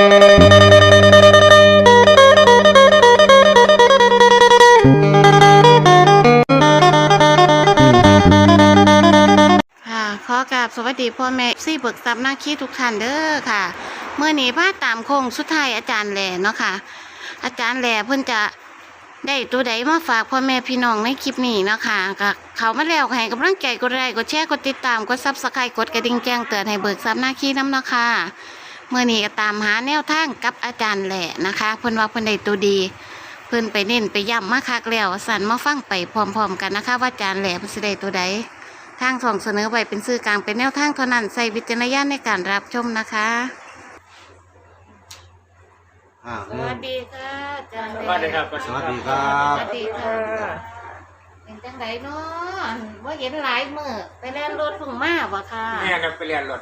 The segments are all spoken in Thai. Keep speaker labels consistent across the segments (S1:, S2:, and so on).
S1: ขอกราบสวัสดีพ่อแม่ซี่เบิกทรัพย์นาคีทุกท่านเด้อค่ะเมื่อนี้พาตามโค้งสุดท้ายอาจารย์แหล่เนาะค่ะอาจารย์แหล่เพิ่นจะได้ตัวใดมาฝากพ่อแม่พี่น้องในคลิปนี้เนาะค่ะก็เขามาแล้วให้กำลังใจกดไลค์กดแชร์กดติดตามกดซับสไครต์กดกระดิ่งแจ้งเตือนให้เบิกทรัพย์นาคีนำเนาะค่ะเมื่อนี้ก็ตามหาแนวทางกับอาจารย์แหล่นะคะเพิ่นว่าเพิ่นได้ตัวดีเพิ่นไปเน้นไปย้ำมาคักแล้วสั่นมาฟังไปพร้อมๆกันนะคะว่าอาจารย์แหล่เพิ่นสิได้ตัวใดทางส่งเสนอไว้เป็นสื่อกลางเป็นแนวทางเท่านั้นใส่วิจารณญาณในการรับชมนะคะสวัสดีค่ะอาจารย์
S2: สวัสดีครับ
S3: สวัสดีครับ
S1: สวัสดีค่ะเป็นจังไดเนาะว่าเห็นหลายมื้อไปแล่นรถพุ่งมาบ่ค่ะ
S2: แม่กับไปเรียนรถ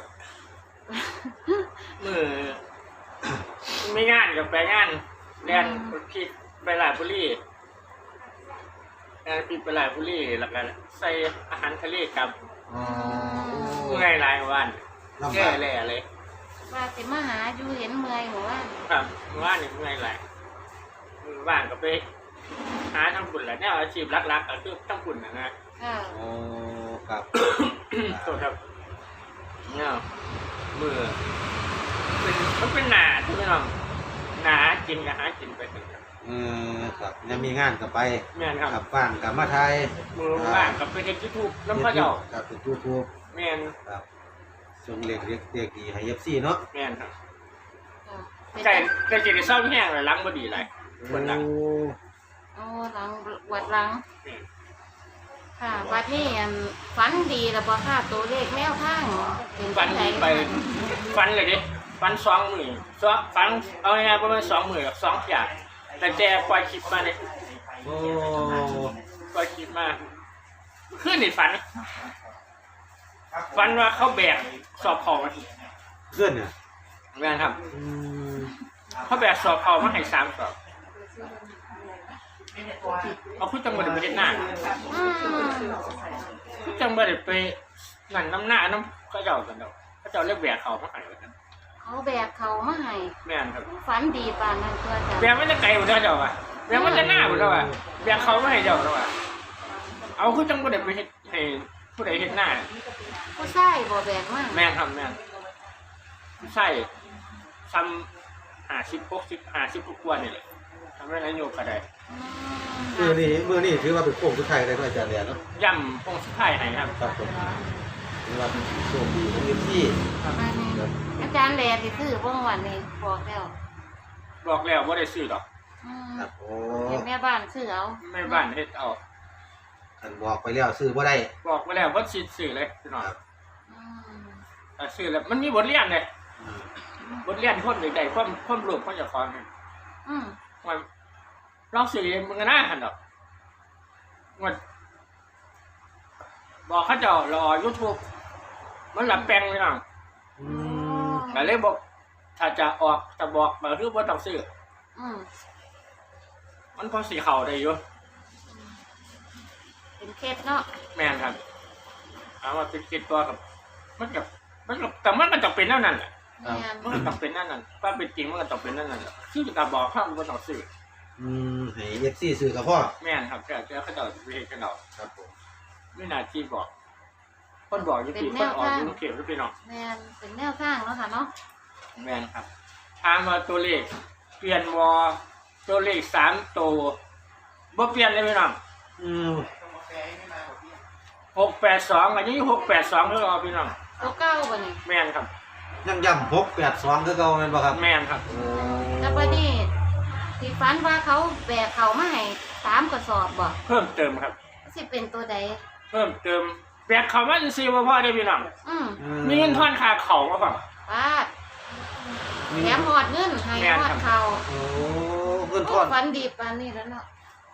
S2: มือไม่งานกับไปงานเรียนพี่ไปหลายบุรีงานพี่ไปหลายบุรีแล้วก็ใส่อาหารทะเลกับเมื่อยหลายวันแย่เลยอะไร
S1: ว่าสิมาหาอยู่เห็นเมื่อยหัวว่า
S2: ครับว่านี่เมื่อยหลายว่างก็ไปหาทำบุญแหละเนี่ยอาชีพหลักๆก็คือทำบุญนะ
S1: ค่ะ
S3: โอ้ครับ
S2: โทษครับเนี่ยมือมันเป็นหนาใช่ไหมน้องหนากินกับหากินไปถึงครับ
S3: ครับยังมีงานกับไป
S2: แม่นครับ
S3: กับบ้านกับมาไทย
S2: มือว่างกับไปเฮ็ดยูทูบน้ำข้าวเจ้า
S3: กับเป็นยูทูบ
S2: แม่น
S3: ครับส่งเล็กดีให้เอฟซีเนาะ
S2: แม่นครับ
S1: เป็น
S2: ไก่ไก่จะได้เศร้าแห้งเลยล้างบ่ดีไรคนหลัง
S1: โอ้หลังวัดหลังค่ะวัดนี้ฝันดีแล้วบ่ค่ะตัวเลขแนวทางเป็น
S2: ฟัน
S1: จังได
S2: ไปฟันเลยดิฟัน2 มื้อฟันเอาง่ายๆประมาณ2 มื้อกับ2อย่างแต่แจปล่อยคลิปมาเนี่ย
S3: โอ้
S2: ปล่อยคลิปมาขึ้นนี่ฝันว่าเขาแบกสอบของมา
S3: เพื่อนเนี่ย
S2: แม่นครับเขาแบกสอบเขามาให้3 สอบเอาพูดจังหวัดประเทศหน้าพูดจังหวัดไปนั่นน้ำหน้าน้ำก็เจ้ากันเนาะก็เจ้าเรียกแบกเขามาให้กัน
S1: เขาแบกเขามาให้
S2: แม่นครับ
S1: ฝันดีปานนั้นตัวจ้ะ
S2: แบกมันจะไกลหมดแล้วเจ้าว่ะแบกมันจะหน้าหมดแล้วว่ะแบกเขามาให้เจ้าแล้วว่ะเอาพูดจังหวัดไปให้ผู้ใดเห็นหน้า
S1: ผู้ชายบ่แบกมา
S2: แม่นครับแม่นใช่ทำ50 60 กว่านี่แหละทำให้นายโยกก็ได้
S3: เมื่อนี่ถือว่าเป็นโค้งสุดท้ายเลยอาจารย์แหล่เนาะ
S2: ย่ำพงสุดท้ายให้ครับ
S3: ครับผมถือว่าเป็นโชคดีของเอฟซี
S1: อันนี้อาจารย์แหล่สิซื้อบ่วันนี้บอกแล้ว
S2: บอกแล้วว่าได้ซื้อหรอก
S3: ครับโอ้
S1: เห็นแม่บ้านซื้อเอา
S2: แม่บ้านเฮ็ดเอา
S3: ท่านบอกไปแล้วซื้อบ่ได้
S2: บอกมาแล้วว่าซื้อเลยพี่น้อง
S1: อืม
S2: ซื้อแล้วมันมีบทเรียนเลย
S3: อืม
S2: บทเรียนคนใดๆความรวมความจะคอน
S1: อืม
S2: มันลองสื่อเองมึงก็น่าหันดอกมันบอกเขาจะรอ YouTube มันหลับแปลงเลยน้อง
S3: อืม
S2: แต่เลยบอกถ้าจะออกจะบอกมาคือว่าต้องซื้อ
S1: อืม
S2: มันพอสีเข่าได้อยู่
S1: เป็นเคสเนาะ
S2: แม่นครับเอามาติดตัวกับมันกับแต่มันก็ต้องเป็นนั่นแหละ
S1: แม่น
S2: มันก็ต้องเป็นนั่นความเป็นจริงมันก็ต้องเป็นนั่นแหละคือจะบอกข้ามมันต้องซื้อ
S3: ให้เอฟซีซื้อกับพ่อ
S2: แม่นครับแต่เขาจะไปเห็นกันเอา
S3: ครับผม
S2: ไม่น่าที่บอกคนบอกอยู่ที่คนออกยุ่งเขียวหรือเปล่า
S1: แม่นเป็นแนวทางเนาะค่ะเนาะ
S2: แม่นครับถามว่าตัวเลขเปลี่ยนวอตัวเลข3 ตัวบ่เปลี่ยนเลยพี่น้อง
S3: อืม
S2: 682อันนี้682คือเอาพี่น้อง
S1: ตัวเก้าบ่นี่
S2: แม่นครับ
S3: ยังย่ำ682คือเก่าแม่นบ่ครับ
S2: แม่นครับ
S3: โอ้
S1: แล้วบัดนี้ที่ฝันว่าเขาแบกเขามาให้3กระสอบบ่
S2: เพิ่มเติมครับ
S1: สิเป็นตัวใด
S2: เพิ่มเติมแบกเขามาซื้อมาพ่อได้พี่น้อง
S1: อืม
S2: มีเงินทอนค่าเขามาป่ะ
S1: ปาดแถมหอดเงินให้
S2: แม่น
S1: หอ
S2: ครั
S1: ด
S2: บ
S1: เขา
S3: โอ้เงินทอน
S1: ฝันดีปานนี้แล้วเนาะ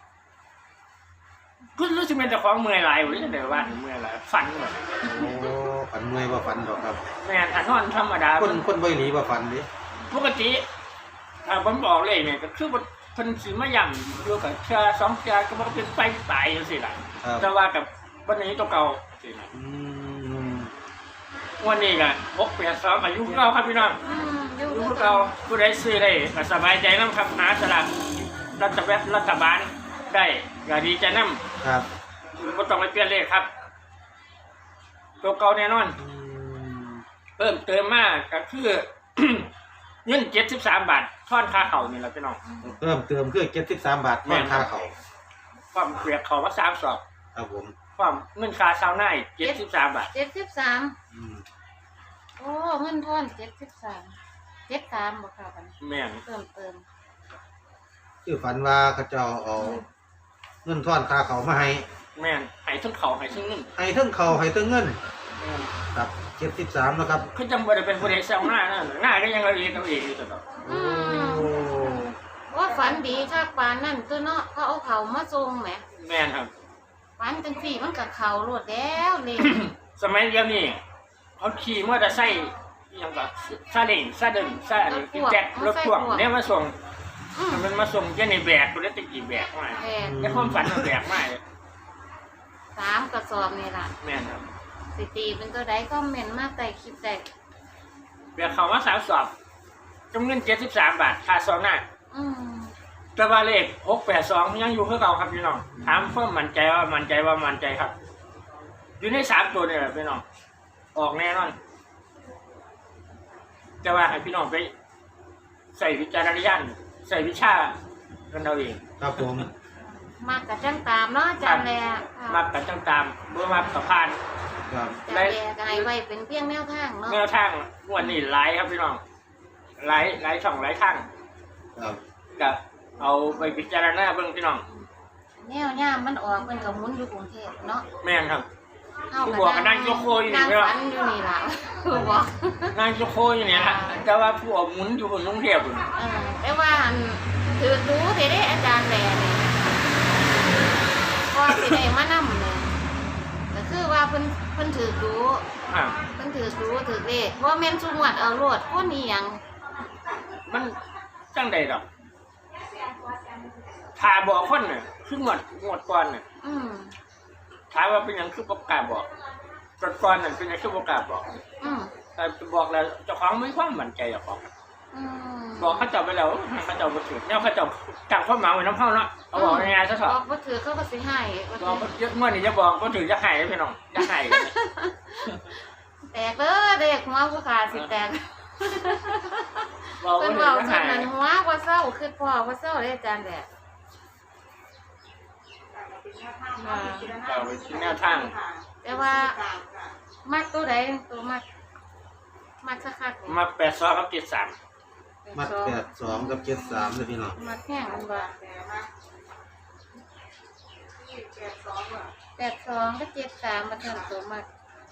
S2: ก็รู้สึกเป็นแต่ของเมื่อยหลายอยู่นี่เดี๋ยวว่าเมื่อยหลายฝันเหมือน
S3: โอ้ฝันเมื่อยบ่ฝันดอกครับ
S2: แม่นถ้านอนธรรมดา
S3: คนบ่หลีบ่ฝันดิ
S2: ปกติถ้าผมบอกเลยเนี่ยก็คือว่าเพิ่นสิมาย่ำอยู่กับเชือ2 เชือก็บ่เป็นไปตายจังซี่ล่ะ
S3: ครับ
S2: แต่ว่ากับวันนี้ตัวเก่าสิล่ะ
S3: อืม
S2: วันนี้ก็682อายุเก่าครับพี่น้อง
S1: อืมอยู่
S2: พวกเราผู้ใดซื้อได้ก็สบายใจน้ำครับหาสลากรัฐบาลได้ก็ดีใจน้ำ
S3: ครับ
S2: ไม่ต้องไปเปลี่ยนเลขครับ ตัวเก่าแน่นอน เพิ่มเติมมากก็คือ เงิน73 บาททอนค่าเข่านี่แหละพี่น้อง
S3: เพิ่มเติมคือ73 บาทแม่ค่าเขา
S2: ความเปรียกเขาว่า3 สอบ
S3: ครับผม
S2: ความเงินค่าซาวน่าอีก73 บาท
S1: 73
S3: อืม
S1: โอ้เงินทอน73บ่ค่ะบัดนี้
S2: แม่น
S1: เติม
S3: คือฝันว่าเขาเจ้าเอาเงินทอนค่าเขามาให้
S2: แม่นให้ทั้งเขาให้ทั้งเงิน
S3: ให้ทั้งเขาให้ทั้งเงิน
S2: แม่น
S3: ครับ73นะครับ
S2: คือจังบ่ได้เป็นผู้ใดแซวหน้านั่นหน้าก็ยังเอาเองอยู่ตลอด
S3: โอ้
S1: ว่าฝันดีคักปานนั่นตัวเนาะเขาเอาเขามาส่งแหม
S2: แม่นครับ
S1: ฝันจังซี่มันก็เข้าโลดแล้วเลย
S2: สมัยเดียวนี้เขาขี่มอเตอร์ไซค์อิหยังก็ซาเล้งซาเดินซาอันนี้แจ็ครถพ่วงเนี่ยมาส่ง
S1: อืม
S2: มันมาส่งแค่ในแบกตัวเล็กตะกี้แบกมา
S1: แม่น
S2: ในความฝันมันแบกมาเลย
S1: 3กระสอบนี่ล่ะ
S2: แม่นครับ
S1: สิตีเป็นตัวใดคอมเมนต์มาใต้คลิปได้
S2: แบกเขามา3 สอบจำเงิน73 บาทค่าซองหน้า
S1: อืม
S2: แต่ว่าเลข682ยังอยู่คือเก่าครับพี่น้องถามเพิ่มมั่นใจครับ อยู่ใน3 ตัวนี่แหละพี่น้องออกแน่นอนแต่ว่าให้พี่น้องไปใส่วิจารณญาณใส่วิชากันเอาเอง
S3: ครับผม
S1: มากกับจังตามเนาะอาจารย์แล
S2: มักกันจังตามเมื่อมักกับพาน
S3: ครับ
S1: อาจารย์แลก็ให้ไว้เป็นเพียงแนวทางเนาะ
S2: แนวทางงวันนี้ไลฟ์ครับพี่น้องไลฟ์ช่องไลฟ์ทาง
S3: ครับ
S2: ก็เอาไปพิจารณาเบิ่งพี่น้อง
S1: แนวย่ามมันออกมันก็หมุนอยู่กรุงเทพเนาะ
S2: แม่นครับ
S1: เฮา
S2: ผู้บอกก็นั่งยกโคอยู่นี่
S1: นั่ง
S2: ไม่หรอก
S1: ฝันอยู่นี่ล่ะ ผู้บอก
S2: นางโจโคอยู่เนี่ยนะแต่ว่าผู้เอาหมุนอยู่บนกรุงเทพฯ
S1: แต่ว่าอันถือรู้เด้อาจารย์แลนี่ก็สิได้มานำเนี่ยก็คือว่าเพิ่นถือรู้
S2: อ่า
S1: เพิ่นถือรู้ถือเลขว่าแม่นสุงวดเอาโลดคนอีหยัง
S2: มันจังใดดอกถ้าบอกคนน่ะคืองวดก่อนน่ะ
S1: อืม
S2: ถามว่าเป็นหยังคือบ่กล้าบอกก่อนน่ะเป็นหยังคือบ่กล้าบอก
S1: อืม
S2: แต่บอกแล้วเจ้าของมีความมั่นใจเจ้าของ
S1: อืม
S2: บอกเขาเจ้าไปแล้วเขาเจ้าบ่ถือแนวเขาเจ้าตั้งความหมายไว้นำเฮาเนาะเอาบอกง่ายๆซะเถ
S1: บ
S2: อะ
S1: อกว่าถือเขาก็สิให้ว่า
S2: บอก
S1: ถือ
S2: เยอะมื่อนี้จะบอกบ่ถือจะให้พี่น้องจะให้
S1: แตกเลยเด็กหัวผู้ขาสิแตก
S2: บอก
S1: เพิ่น
S2: ว่า
S1: เว้า
S2: ถือจะ
S1: จัง
S2: ให้
S1: นั้นหัวว่าเศร้าคือพ่อว่าเศร้าเด้อาจารย์แดด
S2: เอาไปที่แนวทาง
S1: แต่ว่ามักตัวใดตัวมักสักคักนี่
S2: มา82กับ73
S3: มัด82กับ73เลยพี่น้อง
S1: มักแห้งมันบ่82ก็73มาเทิงตัวมัก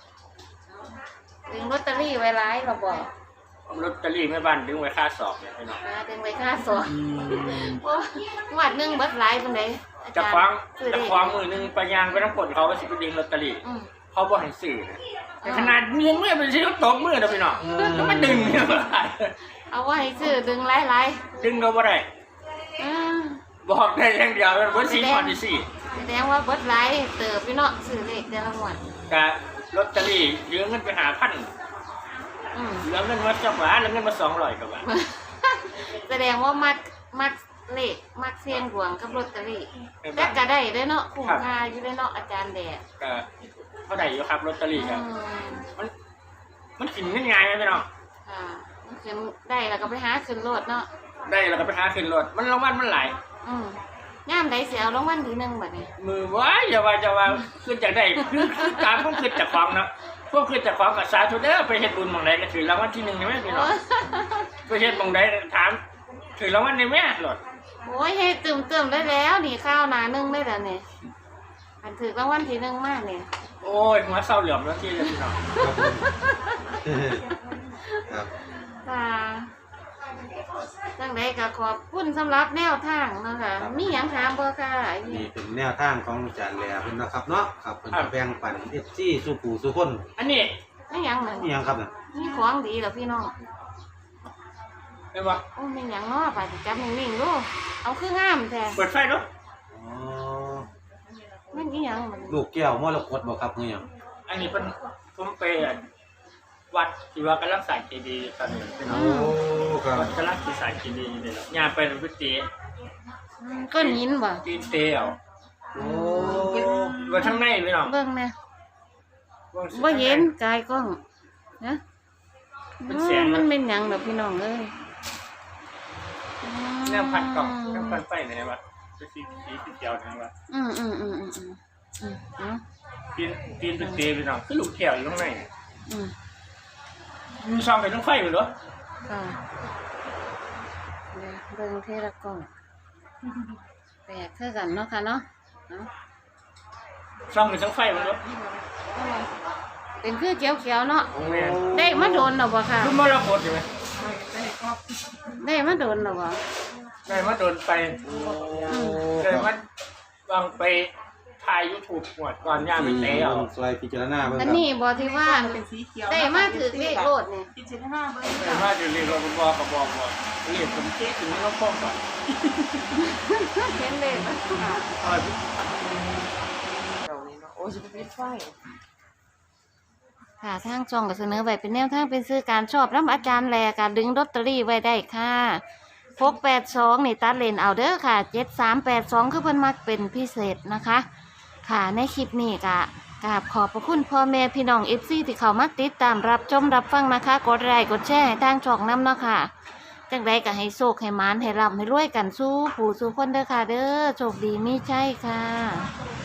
S1: ดึงลอตเตอรี่ไว้หลายเราบอก
S2: ลอตเตอรี่แม่บ้านดึงไว้ค่าสอบเนี่ยพี่น้อง
S1: ดึงไว้ค่าสอนโอ้งวดหนึงเบิดหลายปานใดอา
S2: จะ
S1: จารย์
S2: ฟัง
S1: ซื้อ
S2: จะ
S1: ได้
S2: ฟังมือหนึงไปยางไปน้ำกลเขาไปสิไปดึงลอตเตอรี่
S1: อืม
S2: เขาบ่ให้ซื้อนะแต่ขนาดมือมือเป็นสิเขาตกมือนะพี่น้องแล้วมันดึงเนี่ยบ่ได้
S1: เอาไว้ซื้อดึงหลาย
S2: ดึงก็บ่ได้
S1: ๆอืม
S2: บอกได้อย่างเดียวมันบ่สิพอดีสิ
S1: แสดงว่าเบิดหลายเติบพี่เนาะซื้อเลขแต่ละงวด
S2: ก็ลอตเตอรี่ยืมเงินไปหาพัน
S1: อืม
S2: เหลือเงินมาจักหวาเหลือเงินมา200กว่าบาท
S1: แสดงว่ามักเลขมักเสียงหลวงกับลอตเตอรี่แต่ก็ได้เด้อเนาะคุ้มค่าอยู่เด้อเนาะอาจารย์แดด
S2: ก็เท่าไหร่อยู่ครับลอตเตอรี่ครับ
S1: อืม
S2: มันกินง่ายๆไหมพี่น้อง
S1: อ่ามันขึ้นได้แล้วก็ไปหาขึ้นรถเนาะ
S2: ได้แล้วก็ไปหาขึ้นรถมันรางวัลมันหลาย
S1: อืมย่ามใดสิเอารางวัลที่หนึ่งบัดนี้
S2: มือว้ายอย่าว่าคือจากได้คือการพวกคือจากของเนาะพวกคือจากของกับสาธุเด้อไปเฮ็ดบุญหม่องใดก็ถือรางวัลที่1ใช่ไหมพี่น้องไปเฮ็ดหม่องใดถามถือรางวัลในแม่หลด
S1: โอ้ยเฮ็ดตึมๆได้แล้วนี่ข้าวหนานึงได้แล้วนี่อันถือรางวัลที่หนึ่งมากนี่
S2: โอ้ยหัวเศร้าเหลี่ยมแล้วที่เลยพี่น้อง
S3: ครับผมครับ
S1: ค่ะจังไดก็ขอบคุณสำหรับแนวทางเนาะค่ะมีหยังถามบ่ค่ะ
S3: นี่เป็นแนวทางของอาจารย์แหล่เพิ่นนะครับเนาะครับเพิ่นจะแบ่งปัน FC สู่ผู้สู่คน
S2: อันนี้
S1: ไม่หยังนั่น
S3: นี่หยังครับน่ะ
S1: มีของดีเหรอพี่น้อง
S2: เห็นบ่
S1: โอ้ไม่หยังเนาะไปจับนิ่งๆดูเอาคืองามแท้
S2: เปิดไฟดู
S3: อ๋อ
S1: มันอีหยังมัน
S3: ลูกแก้วมรกตบ่ครับคือหยัง
S2: อันนี้เป็นผมไปวัดที่ว่ากำลังสร้างเจดีย์ตอนนี้พี่น้อง
S3: โอ้ครับ
S2: วัดกำลังสิสร้างเจดีย์อยู่นี่แหละย่างไปเป็นพิธี
S1: ก้อนหินบ่
S2: ตีนเตเอา
S3: โอ้
S2: ว่าทั้งในพี่น้อง
S1: เบิ่งแม่
S2: บิ่งสิ
S1: บ่เห็นกายกล้องนะ
S2: เป็นแสง
S1: มันเป็นหยังดอกพี่น้องเอ้ย
S2: แนวพันกล่องแนวพันไฟในวัดเป็นสีเขียวทางวัด
S1: อืมเนาะ
S2: ตีนเป็นเตพี่น้องคือลูกแก้วอยู่ข้างใน
S1: อืม
S2: มีช่องไปทั้งไฟหมดเหรอ
S1: ค่ะเดี๋ยวเบิ่งเทละกล้องแปลกคือกันเนาะค่ะเนาะเนาะ
S2: ช่องไปทั้งไฟหมดเหรอ
S1: เป็นคือเขียวๆเนาะ
S2: แม่
S1: ได้มาโดนหรอบ่ค่ะ
S2: รุ่นมรกตใช่ไหม
S1: ได้มาโดนหรอบ่
S2: ได้มาโดนไปได้มาวางไปถ่ายยูทูบหมดก่อนย่างไปเตะเอา
S3: ซอยพิจารณาเบิ่งค
S1: อั
S3: รั
S1: น
S3: บ
S1: นี้บ่ที่ว่า
S4: เป็นสีเขียว
S1: ได้มาถือเลขโลดเนี่ย
S4: พิจารณาเบิ่ง
S2: แต่ว่าจะเรียนรปภกับบอกเรียนผมเจ๊ถึงไม่ต้องฟ้องก่อน
S1: เห็นเลขบ่ค่ะ
S4: เรานี่เนาะโอ้ยจะเป็นไฟ
S1: ค่ะทางช่องก็เสนอไว้เป็นแนวทางเป็นซื้อการชอบรับอาจารย์แลการดึงลอตเตอรี่ไว้ได้ค่ะ682นี่ตัดเลนเอาเด้อค่ะ7382คือเพิ่นมักเป็นพิเศษนะคะ ค่ะในคลิปนี้ก็กราบขอบพระคุณพ่อแม่พี่น้อง FC ที่เข้ามาติดตามรับชมรับฟังนะคะกดไลค์กดแชร์ให้ทางช่องนำเนาะค่ะจังใดก็ให้โชคให้หมานให้ร่ำให้รวยกันสู้ผู้สู้คนเด้อค่ะเด้อโชคดีมีใจค่ะ